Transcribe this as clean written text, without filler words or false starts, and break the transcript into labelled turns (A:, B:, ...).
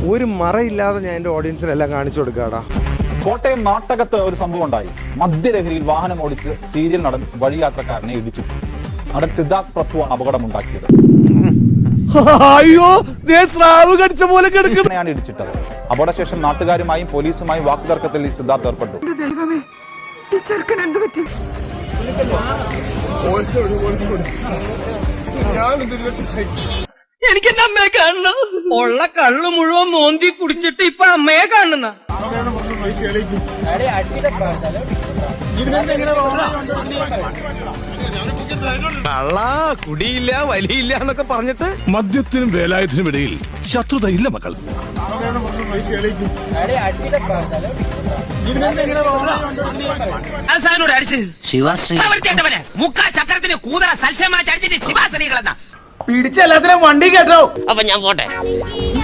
A: ഒരു മറയില്ലാതെ ഞാൻ എൻ്റെ ഓഡിയൻസിനെല്ലാം കാണിച്ചു കൊടുക്കാടാ.
B: കോട്ടയം നാട്ടകത്ത് ഒരു സംഭവം ഉണ്ടായി. മദ്യലഹരിയിൽ വാഹനം ഓടിച്ച് സീരിയൽ നടൻ വഴിയാത്രക്കാരനെ ഇടിച്ചു. നടൻ സിദ്ധാർത്ഥ് പ്രഭുവാണ് അപകടമുണ്ടാക്കിയത്.
C: അയ്യോ, സ്രാവ് കടിച്ച പോലെ
B: ാണ് ഇടിച്ചിട്ടത്. അപകടശേഷം നാട്ടുകാരുമായും പോലീസുമായും വാക്കുതർക്കത്തിൽ ഈ സിദ്ധാർത്ഥ് ഏർപ്പെട്ടു.
D: എനിക്ക് എന്റെ അമ്മയെ കാണണം. ഉള്ള കള്ളു മുഴുവൻ മോന്തി കുടിച്ചിട്ട് ഇപ്പൊ അമ്മയെ കാണുന്ന
C: കള്ളാ കുടിയില്ല വലിയില്ല എന്നൊക്കെ പറഞ്ഞിട്ട് മദ്യത്തിനും വേലായുധനും ഇടയിൽ ശത്രുത ഇല്ല മക്കൾ.
D: പിടിച്ച എല്ലാത്തിനും വണ്ടി കേട്ടോ. അപ്പൊ ഞാൻ പോട്ടെ.